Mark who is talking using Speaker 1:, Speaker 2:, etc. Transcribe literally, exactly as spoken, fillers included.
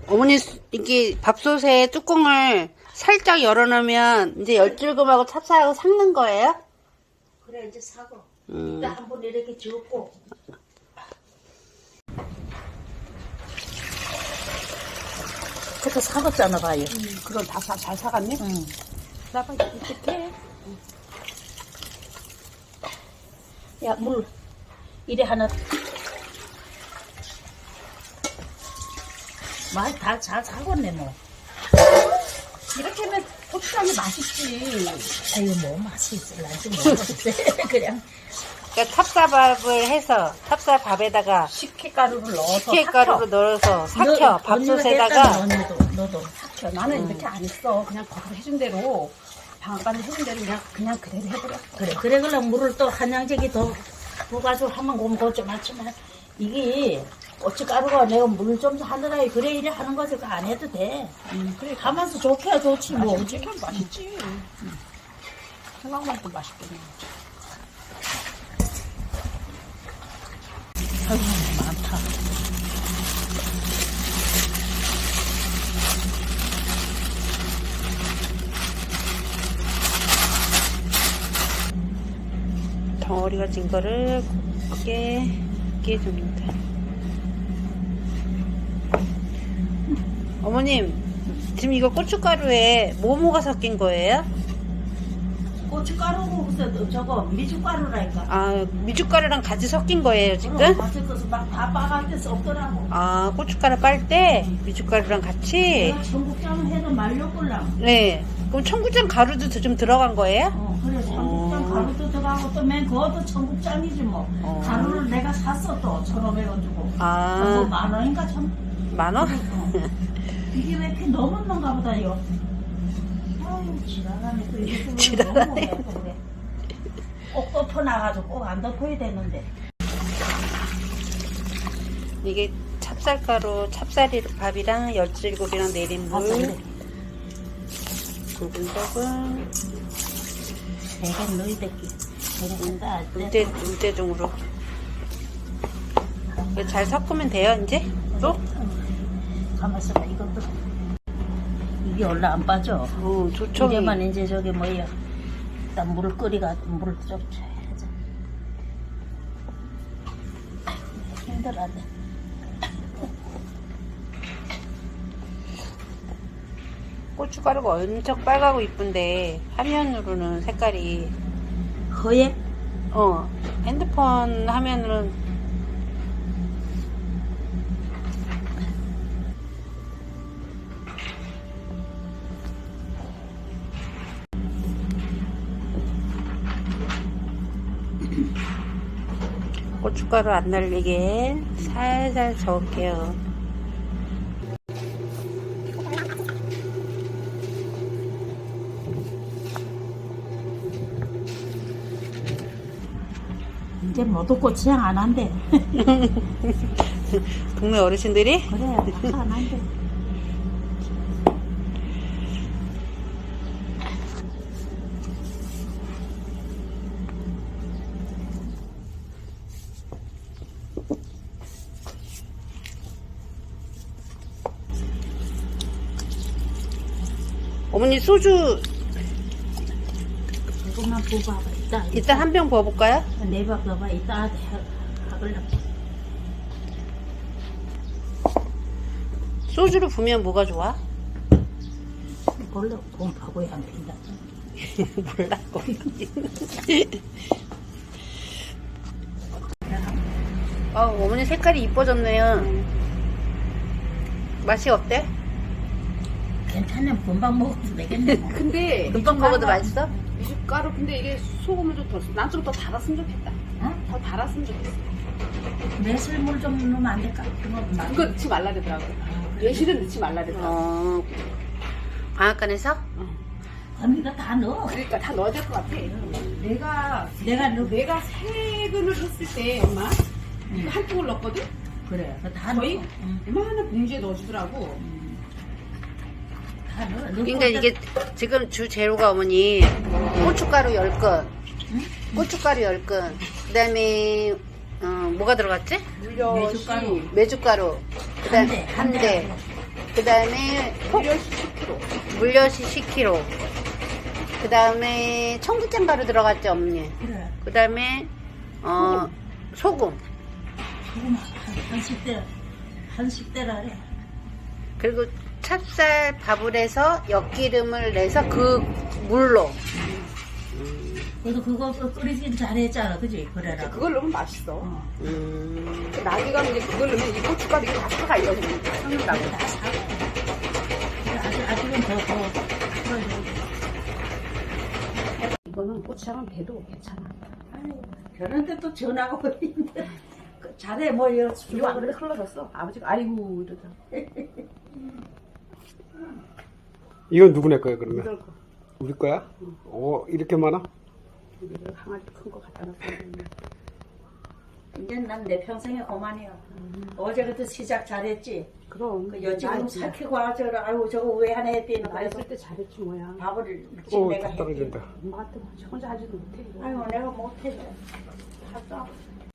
Speaker 1: 어머니 이게 밥솥에 뚜껑을 살짝 열어놓으면 이제 열줄금하고 찹쌀하고 삭는 거예요?
Speaker 2: 그래 이제 사고.
Speaker 1: 음.
Speaker 2: 일단 한번 이렇게 젓고. 그때 사갔잖아 봐요.
Speaker 1: 음, 그럼 다 잘 사갔네?
Speaker 2: 응.
Speaker 1: 나봐 이렇게.
Speaker 2: 야 물 이래 하나. 많이 다 잘 사갔네 뭐.
Speaker 1: 이렇게 하면 고추장이 맛있지.
Speaker 2: 아유 뭐 맛이 있을란지 모르겠어. 그냥
Speaker 1: 그러니까 찹쌀밥을 해서 찹쌀밥에다가
Speaker 2: 식혜가루를 넣어서
Speaker 1: 식혜가루를 넣어서 삭혀. 밥솥에다가.
Speaker 2: 언니도 너도 삭혀.
Speaker 3: 나는
Speaker 1: 음.
Speaker 3: 이렇게 안 했어. 그냥 거기서 해준 대로 방앗간에 해준 대로 그냥 그냥 그대로 해버렸어.
Speaker 2: 그래 그래 그럼 물을 또 한 양재기 더 부어가지고 하면 고무 좀 하지만 이게 고춧가루가 내가 물 좀 하느라 그래 이래 하는 거지 그거 안 해도 돼.
Speaker 3: 음, 그래.
Speaker 2: 가만서 좋게 좋지 뭐.
Speaker 3: 뭐 찍혀 맛있지. 음. 생각만 또 맛있겠네.
Speaker 2: 아유 많다.
Speaker 1: 덩어리가 진 거를 곱게 깨줍니다. 어머님, 지금 이거 고춧가루에 뭐뭐가 섞인 거예요?
Speaker 2: 고춧가루고 무슨 저거 미숫가루라니까.
Speaker 1: 아, 미숫가루랑 같이 섞인 거예요, 지금?
Speaker 2: 맛을 것을 막다 빠갈 때 없더라고.
Speaker 1: 아, 고춧가루 빨 때 미숫가루랑 같이?
Speaker 2: 내가 청국장 해도 말려볼랑.
Speaker 1: 네. 그럼 청국장 가루도 좀 들어간 거예요?
Speaker 2: 어, 그래, 청국장
Speaker 1: 어.
Speaker 2: 가루도 들어가고 또 맨 그것도 청국장이지 뭐.
Speaker 1: 어.
Speaker 2: 가루를 내가 샀어 또, 천오백 원 주고.
Speaker 1: 아.
Speaker 2: 그거 만 원인가 참.
Speaker 1: 만 원?
Speaker 2: 어. 이게 왜 이렇게 넘었는가 보다, 이거. 아유, 지랄하네. 또 이렇게
Speaker 1: 지랄하네.
Speaker 2: 너무 먹어, 그래. 꼭 덮어놔가지고 꼭 안 덮어야 되는데.
Speaker 1: 이게 찹쌀가루, 찹쌀이 밥이랑 열줄곱이랑 내린
Speaker 2: 아,
Speaker 1: 물.
Speaker 2: 그래.
Speaker 1: 굵은 떡은
Speaker 2: 내가 너희들끼리. 그런다.
Speaker 1: 물대, 물대중으로. 이거 잘 섞으면 돼요, 이제? 또?
Speaker 2: 가만있어 봐, 이것도. 이게 원래 안 빠져.
Speaker 1: 어, 조청이.
Speaker 2: 이제만 이제 저기 뭐야. 일단 물을 끓이가, 물을 좀 줘야지. 힘들어하네.
Speaker 1: 고춧가루가 엄청 빨갛고 이쁜데, 화면으로는 색깔이,
Speaker 2: 허예?
Speaker 1: 어, 핸드폰 화면으로는 고춧가루 안 날리게 살살 저을게요.
Speaker 2: 이제 모두 고추장 안 한대.
Speaker 1: 동네 어르신들이?
Speaker 2: 그래, 다 안 한대.
Speaker 1: 어머니 소주
Speaker 2: 이것만 부어봐. 이따.
Speaker 1: 이따 한 병 부어볼까요?
Speaker 2: 내밥 넣어봐. 이따 하걸라.
Speaker 1: 소주를 부으면 뭐가 좋아?
Speaker 2: 원래 돈 파고야 안 핀다.
Speaker 1: 몰라고. 아, 어머니 색깔이 이뻐졌네요. 맛이 어때?
Speaker 2: 괜찮네. 금방 먹어도 되겠네. 뭐.
Speaker 3: 근데
Speaker 1: 금방 먹어도 맛있어?
Speaker 3: 미숫가루 근데 이게 소금을 좀 더, 난 좀 더 달았으면 좋겠다.
Speaker 2: 어?
Speaker 3: 더 달았으면 좋겠어.
Speaker 2: 매실물 좀 넣으면 안 될까? 그거 맛.
Speaker 3: 그거 넣지 말라 그러더라고. 예실은 넣지 말라 그러더라고.
Speaker 1: 어, 방앗간에서?
Speaker 2: 언니가 다 넣어.
Speaker 3: 그러니까 다 넣어야 될 것 같아. 내가
Speaker 2: 내가 넣어.
Speaker 3: 내가 세 근을 했을 때 엄마
Speaker 2: 응.
Speaker 3: 한 통을 넣었거든.
Speaker 2: 그래. 그거 다
Speaker 3: 거의
Speaker 2: 넣어. 응.
Speaker 3: 이만한 봉지에 넣어주더라고.
Speaker 2: 다 넣어.
Speaker 1: 그러니까 이게 지금 주 재료가 어머니 고춧가루 열 건, 고춧가루 열 건, 그 다음에 어, 뭐가 들어갔지?
Speaker 3: 물엿이
Speaker 2: 메주가루.
Speaker 1: 메주가루, 그 다음에
Speaker 2: 한 대,
Speaker 1: 한 대, 그 그 다음에
Speaker 3: 물엿이 십 킬로그램.
Speaker 1: 물엿이 십 킬로그램. 그 다음에 청국장 가루 들어갔죠, 어머니?
Speaker 2: 그래.
Speaker 1: 그 다음에, 어, 소금.
Speaker 2: 소금 한, 한 식대, 한 식대라래.
Speaker 1: 그리고 찹쌀 밥을 해서 엿기름을 내서 그 물로.
Speaker 2: 그래도 그거 끓이긴 잘했잖아, 그지? 그래라.
Speaker 3: 그걸 넣으면 맛있어.
Speaker 2: 어.
Speaker 1: 음,
Speaker 3: 나기가 이제 그걸 넣으면 이 고춧가루 이거 다 사가 이거 섞는다고.
Speaker 2: 다 사고. 그래, 아직, 아직은 더, 더. 풀어줘.
Speaker 3: 이거는 고추장은 배도 괜찮아.
Speaker 2: 아니, 그런데 또 전화가 오는데. 그 잘해, 뭐, 이거
Speaker 3: 이거 안 그래 흘러졌어. 아버지가 아이고 이러다.
Speaker 4: 이건 누구네 거야 그러면?
Speaker 3: 이럴 거.
Speaker 4: 우리 거야? 오 이렇게 많아?
Speaker 3: 이거 강아지 큰 거 갖다 놨어.
Speaker 2: 이제 난 내 평생에 그만이야. 어제 그때 시작 잘했지?
Speaker 3: 그럼.
Speaker 2: 그 여지금
Speaker 3: 나
Speaker 2: 삭히고 와서, 아이고, 저거 왜 하나 했대는
Speaker 3: 나
Speaker 2: 거야.
Speaker 3: 있을 때 잘했지 뭐야.
Speaker 2: 밥을 일찍
Speaker 4: 오
Speaker 2: 내가 했지.
Speaker 4: 떨어진다.
Speaker 3: 엄마한테 혼자 하지도 못해. 이거.
Speaker 2: 아이고, 내가 못해. 하다.